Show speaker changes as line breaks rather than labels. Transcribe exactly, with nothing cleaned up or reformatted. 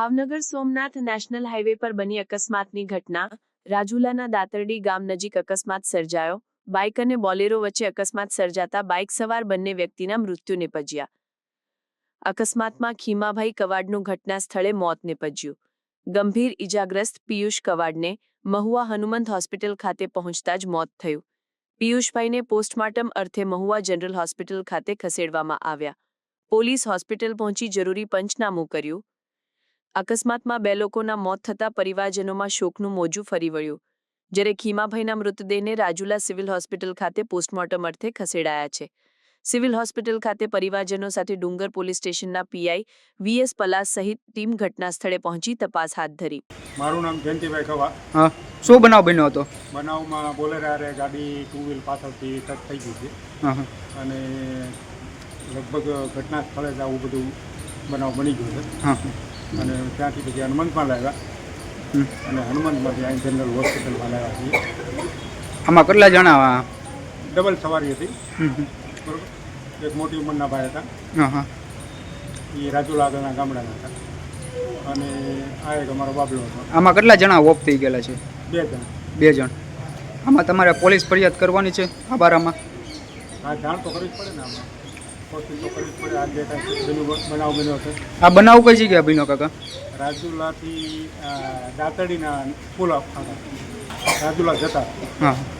Bhavnagar Somnath national highway પર બની અકસ્માતની ઘટના. રાજુલાના દાતરડી ગામ નજીક અકસ્માત સર્જાયો. બાઇક અને બોલેરો વચ્ચે અકસ્માત સર્જાતા બાઇક સવાર બંને વ્યક્તિના મૃત્યુ નિપજ્યા. અકસ્માતમાં ખીમાભાઈ કવાડનું ઘટના સ્થળે મોત નિપજ્યું. ગંભીર ઇજાગ્રસ્ત પિયુષ કવાડને મહુવા હનુમંત હોસ્પિટલ ખાતે પહોંચતા જ મોત થયું. પિયુષભાઈને પોસ્ટમોર્ટમ અર્થે મહુવા જનરલ હોસ્પિટલ ખાતે ખસેડવામાં આવ્યા. પોલીસ હોસ્પિટલ પહોંચી જરૂરી પંચનામું કર્યું. અકસ્માતમાં બે લોકોના મોત થતાં પરિવારજનોમાં શોકનું મોજું ફરી વળ્યું. જ્યારે ખીમાભાઈના મૃતદેહને રાજુલા સિવિલ હોસ્પિટલ ખાતે પોસ્ટમોર્ટમ અર્થે ખસેડાયા છે. સિવિલ હોસ્પિટલ ખાતે પરિવારજનો સાથે ડુંગર પોલીસ સ્ટેશનના પીઆઈ વીએસ પલાસ સહિત ટીમ ઘટના સ્થળે પહોંચી તપાસ હાથ ધરી.
મારું નામ જયંતિભાઈ ખવા.
હા, શું બનાવ બન્યો હતો?
બનાવમાં બોલેરારે ગાડી ટુ વ્હીલ પાછળથી ટચ થઈ ગઈ છે.
હા હા
અને લગભગ ઘટના સ્થળે જ આવું બધું બનાવ બની ગયો છે.
હા
અને ત્યાંથી પછી હનુમંતમાં લાવ્યા
હમ.
અને હનુમંતમાંથી અહીં જનરલ હોસ્પિટલમાં લાવ્યા છીએ.
આમાં કેટલા જણા?
ડબલ સવારી હતી.
હમ હમ.
બરોબર. એક મોટી ઉંમરના ભાઈ હતા,
હા હા
એ રાજુલા આગળના ગામડાના હતા. અને આ એક અમારો બાબલો હતો.
આમાં કેટલા જણા ઓફ થઈ ગયેલા છે?
બે જણ.
બે જણ. આમાં તમારે પોલીસ ફરિયાદ કરવાની છે આ બારામાં?
આ જાણ તો કરવી જ પડે ને. આમાં કોશિશ તો કરવી જ પડે. આ જે કાંઈ પેલું બનાવ બન્યો છે.
આ બનાવ કઈ જગ્યાએ બન્યો કાકા?
રાજુલાથી દાતડીના પુલ આગળ રાજુલા જતા
હા